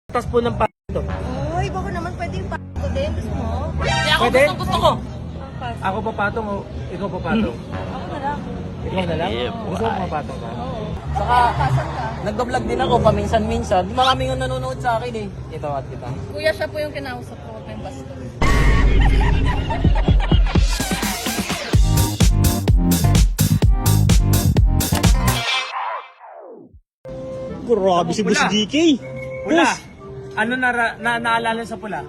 Tas po ng pato. Uy, baka naman pwede yung pato din. Gusto mo? Hindi ako Pwede? gusto ko. Ako papatong o ikaw papatong? Ako na lang. Ikaw na lang? Gusto mo papatong ka? Oo. Saka, Pasan ka. nagbablog din ako paminsan-minsan. Maraming yung nanonood sa akin eh. Ito at kita. Kuya, siya po yung kinausap ko. Huwag kayong basta. Grabe si Boss Pula. DK. Pula. Boss, Ano naalala sa pula?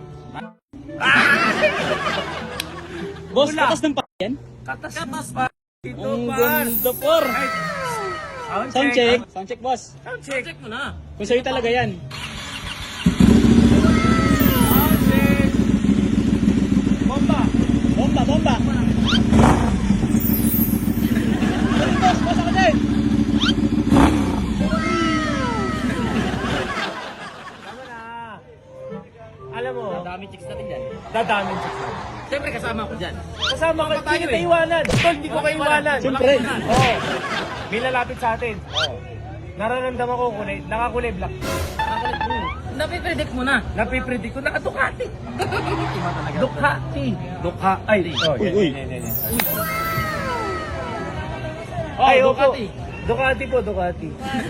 boss, Pula. katas ng yan? Katas pa. Ito Ang par. ganda por. Sound check. Sound check, boss. Sound check. Check mo na. Kung sa'yo talaga yan. Sound check. Bomba. Bomba, bomba. Boss, boss ako din. Tama na. Alam mo, Dami chicks natin dyan. dadaming chicks na. Siyempre kasama ko dyan. Kasama ka, tayo hindi kita eh. iwanan. Tol, hindi ko kayo iwanan. Siyempre. Oo. May lalapit sa atin. Oo. Nararamdaman ko kulay, nakakulay black. Napipredict mo na. Napipredict ko, naka-Ducati. Iba talaga. Ducati. Ay, oh, Uy, uy. Ay, Oh, opo. Ducati. Ducati po, Ducati.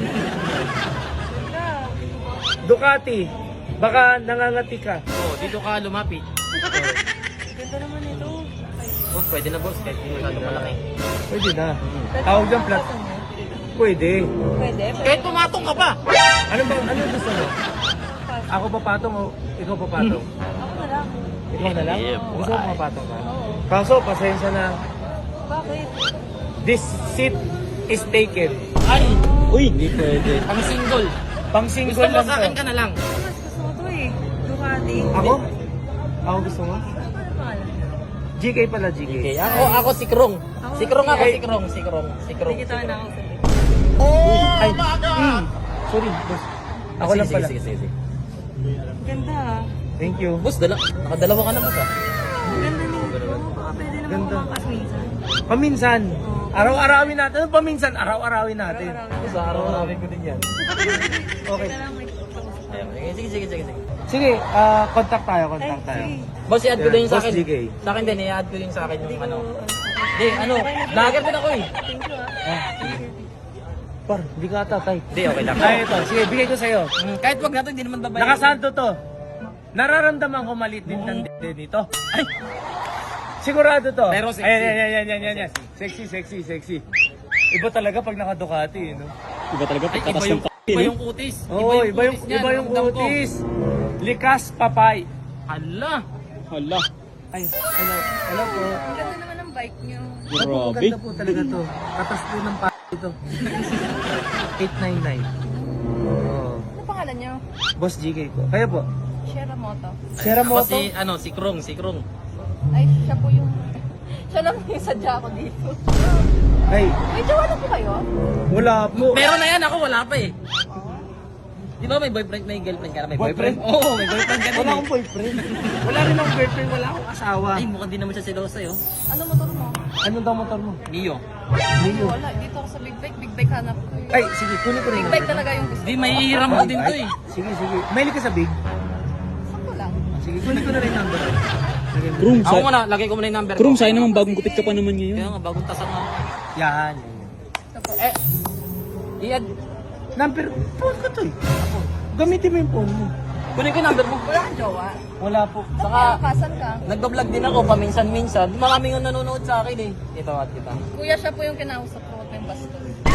Ducati. Baka nangangati ka. Oh, dito ka lumapit. Ganda naman ito. Boss, pwede na boss. Kahit hindi masyadong malaki. Pwede na. Tawag ng plat. Pwede. Pwede. Kahit pumatong ka pa. Ano gusto mo? Ako papatong o ikaw papatong? Ako na lang. Ikaw na lang? Gusto mo papatong ka? Oo. Kaso, pasensya na. Bakit? This seat is taken. Ay, Uy, hindi pwede. pang single. Pang Gusto single mo lang sa akin to. ka na lang. Mas gusto ko to eh. Ducati. Ako? Ako gusto mo? Ano pangalan? GK pala, GK. Okay, ako si Krong. Si Krong ako, Ay. si Krong. Si Krong. Hindi kita na ako sabi. Ay, sorry, boss. Ako lang pala. Sige. Ganda ah. Thank you. Boss, nakadalawa ka na boss ah. Ganda nito. Baka pwede naman Ganda. kumangkas minsan. Paminsan. Araw-arawin natin. Ano paminsan? Araw-arawin natin. Araw-araw. Sa araw namin ko din yan. Okay. Kaya lang may pag-usap. Ayun, sige. Sige, contact tayo. Sige. Boss, i-add ko din yung sa Boss akin. DK. Sa akin din, i-add ko din sa akin Hindi yung ko ano. Hindi, vlogger din ako eh. Thank you ah. Par, hindi ka tatay. Hindi, okay lang. Ay, ito. Sige, bigay ko sa'yo. Kahit wag natin, hindi naman babayaran. Nakasanto to. Nararamdaman ko maliit din ng din dito. Ay! Sigurado to. Pero sexy. Ayan. Sexy. Iba talaga pag naka-Ducati, no? Iba talaga Ay, pagkatas iba ng yung eh. kutis. Oo, iba yung niyan, ramdam ko. kutis. Likas papay. Hala. Hala, Ay, hello po. Ang ganda naman ng bike niyo. Opo, ang grabe. ganda po talaga to. Katas po ng ito. 899. Oh. Ano pangalan niyo? Boss GK po. Kaya po. Shera Moto. Sierra Ako Moto. si Krong. Ay, siya po yung... siya lang yung sadya ko dito. Ay, May jowa na po kayo? wala po. Meron na yan, ako wala pa eh. Di ba may boyfriend, may girlfriend ka na? May Boyfriend? Oo, may boyfriend ka na. Wala akong boyfriend. Wala rin akong girlfriend. Wala akong asawa. Ay, mukhang di naman siya selosa eh. Oh. Ano motor mo? Ano daw motor mo? Nio. Leo. Wala, dito ako sa Big Bike. Big Bike hanap ko eh. Ay, sige, kunin ko rin. Big Bike talaga yung gusto. Di, may hiram mo din to eh. Sige. Mahilig ka sa big? Sakto lang. Sige, kunin ko na rin number. Lagyan mo. Krong, Ako sa muna, lagay ko muna yung number ko. Krong, sayang naman bagong gupit ka pa naman Kaya ngayon. nga, bagong tasang nga. Yan. Ito po. I-add. Number, phone ko to eh. Gamitin mo yung phone mo. Kunin ko yung number mo. Wala kang jowa. Wala po. Saka, Kasan ka? nagbablog din ako paminsan-minsan. Maraming yung nanonood sa akin eh. Ito at kita. Kuya, siya po yung kinausap ko. Huwag kayong basta.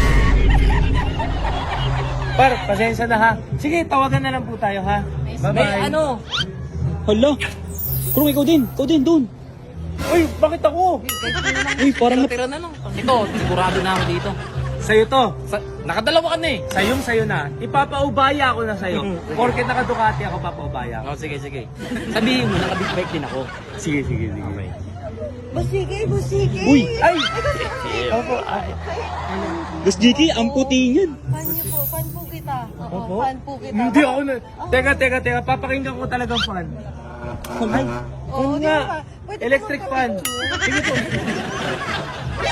Par, pasensya na ha. Sige, tawagan na lang po tayo ha. Bye-bye. May ano, Hala, Krong, ikaw din, doon. Uy, bakit ako? Uy, parang tira na lang. Ito, sigurado na ako dito. Sa'yo to. Nakadalawa ka na eh. Sa'yo na. Ipapaubaya ako na sa'yo. Porket naka-Ducati ako, papaubaya ako. Oh, sige. Sabihin mo, naka-big bike din ako. Sige. Busige! Uy, Ay! Opo. Boss DK, ang puti niyan. Fan niyo po. Fan po kita. Oo, Opo. fan po kita. Hindi ako na. Teka. Papakinggan ko talagang fan. Ay, Oo, yun di nga. ba? Pwede Electric naman fan. kami. Sige po.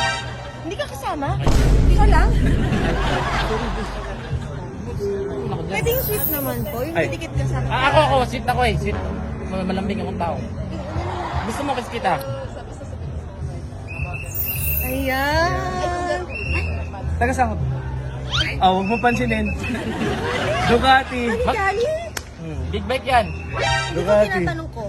Hindi ka kasama? Ikaw lang? Pwede yung sweet naman po. Yung Ay. didikit ka sa akin. Ako, sweet ako eh. Sweet. Malambing akong tao. Gusto mo kiss kita? Ayan. Taga saan ka? Ah, huwag mo pansinin. Ducati. Gali? Big bike yan. Hindi ko Ducati. tinatanong ko.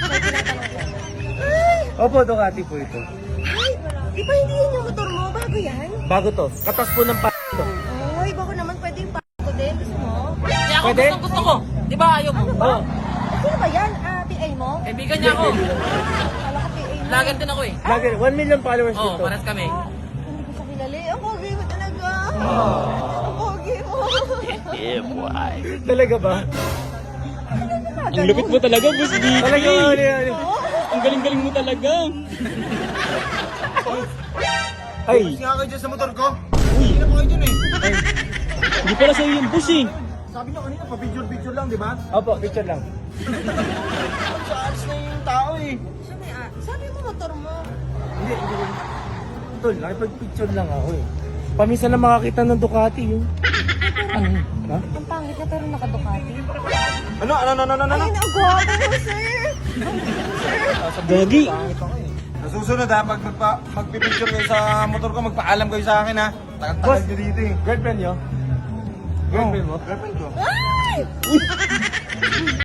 Ay! Opo, Ducati po ito. Ay! Di ba hindi yan yung motor mo? Bago yan? Bago to. Katas po ng to. Ay, bako naman pwede yung ko din. Gusto mo? Kaya ako Pwede? gusto ko. Di ba ayaw mo? Oo. Sino ba yan? PA mo? Kaibigan niya ako. Kala ko PA mo. Lagan din ako eh. Lagi, 1 million followers Oo, dito. paras kami. Hindi ko siya kilala eh. Ang pogi mo talaga. Ang pogi mo. Talaga ba? Ang lupit mo talaga, Boss Vicky. Talaga ba? Ano? Ang galing-galing mo talaga. Ay, Nga kayo dyan sa motor ko. Hindi na po kayo dyan eh. Hindi pala sa'yo yung boss eh. Sabi nyo kanina, pa-picture lang, di ba? opo, picture lang. Sa alis na yung tao eh. Sabi mo motor mo. Hindi. Tol, nakipag-picture lang ako eh. Paminsan lang makakita ng Ducati yun. Ano? Ha? Ang pangit na pero naka-Ducati. Ano? Ay, ang gwapo mo, sir. Gagi. Nasusunod ha, pag magpipicture kayo sa motor ko, magpaalam kayo sa akin ha. Tagal-tagal Boss, nyo dito eh. girlfriend nyo? Girlfriend mo? Girlfriend ko. Ay!